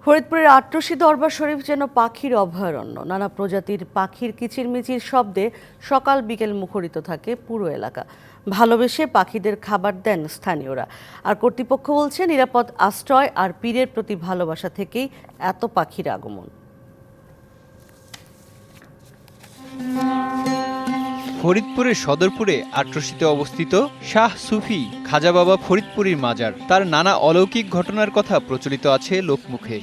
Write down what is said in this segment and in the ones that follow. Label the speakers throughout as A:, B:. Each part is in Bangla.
A: ফরিদপুরের আটরশি দরবার শরীফ যেন পাখির অভয়ারণ্য। নানা প্রজাতির পাখির কিচিরমিচির শব্দে সকাল বিকেল মুখরিত থাকে পুরো এলাকা। ভালোবেসে পাখিদের খাবার দেন স্থানীয়রা। আর কর্তৃপক্ষ বলছে নিরাপদ আশ্রয় আর পীরের প্রতি ভালোবাসা থেকেই এত পাখির আগমন।
B: ফরিদপুরের সদরপুরে আটরশিতে অবস্থিত শাহ সুফি খাজা বাবা ফরিদপুরীর মাজার। তার নানা অলৌকিক ঘটনার কথা প্রচলিত আছে লোকমুখে।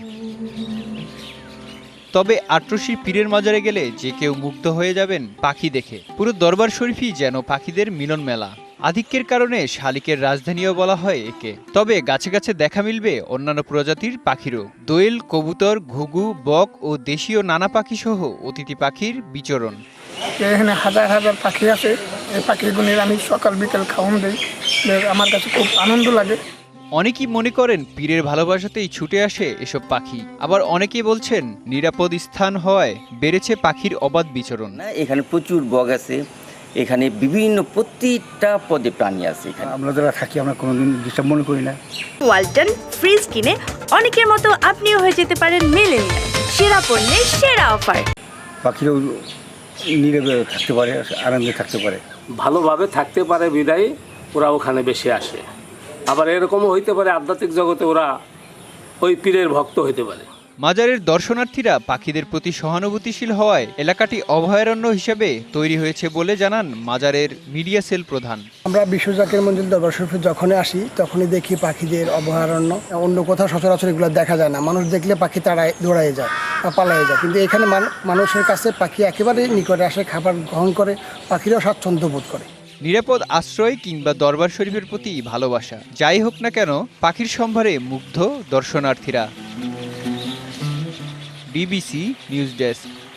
B: তবে আটরশির পীরের মাজারে গেলে যে কেউ মুগ্ধ হয়ে যাবেন পাখি দেখে। পুরো দরবার শরীফই যেন পাখিদের মিলন মেলা। আধিক্যের কারণে শালিকের রাজধানীও বলা হয় একে। তবে গাছে গাছে দেখা মিলবে অন্যান্য প্রজাতির পাখিরও। দোয়েল, কবুতর, ঘুঘু, বক ও দেশীয় নানা পাখি সহ অতিথি পাখির বিচরণ।
C: এখানে হাজার হাজার পাখি আছে। এই পাখিগুলির আমি সকাল বিকেল খাওয়ান দিই। আমার কাছে খুব আনন্দ লাগে।
B: অনেকেই মনে করেন পীরের ভালোবাসাতেই ছুটে আসে এসব পাখি। আবার অনেকেই বলছেন নিরাপদ স্থান হওয়ায় বেড়েছে পাখির অবাধ বিচরণ।
D: এখানে প্রচুর বগ আছে, এখানে বিভিন্ন প্রতিটা পদে প্রাণী আছে। এখানে
C: আমরা যারা থাকি আমরা কোনোদিন ডিস্টার্ব মনে করি না।
E: ওয়ালটন ফ্রিজ কিনে অনেকের মতো আপনিও হয়ে যেতে পারেন মিলেনিয়াল। সেরা পণ্যের সেরা অফার।
C: পাখিরাও নীরবে থাকতে পারে, আনন্দে থাকতে পারে,
F: ভালোভাবে থাকতে পারে বিদায় ওরা ওখানে বেশি আসে। আবার এরকমও হইতে পারে আধ্যাত্মিক জগতে ওরা ওই পীরের ভক্ত হইতে পারে।
B: মাজারের দর্শনার্থীরা পাখিদের প্রতি সহানুভূতিশীল হওয়ায় এলাকাটি অভয়ারণ্য হিসেবে তৈরি হয়েছে বলে জানান মাজারের মিডিয়া সেল প্রধান।
G: আমরা বিশ্ব জাকির মঞ্জিল দরবার শরীফে যখনই আসি তখনই দেখি পাখিদের অভয়ারণ্য। অন্য কোথাও সচরাচর এগুলো দেখা যায় না। মানুষ দেখলে পাখি তাড়ায় দৌড়ায় যায় বা পালায় যায়, কিন্তু এখানে মানুষের কাছে পাখি একেবারে নিকটে আসে, খাবার গ্রহণ করে, পাখিরাও স্বাচ্ছন্দ্য বোধ করে।
B: নিরাপদ আশ্রয় কিংবা দরবার শরীফের প্রতি ভালোবাসা যাই হোক না কেন, পাখির সম্ভারে মুগ্ধ দর্শনার্থীরা। DBC news desk.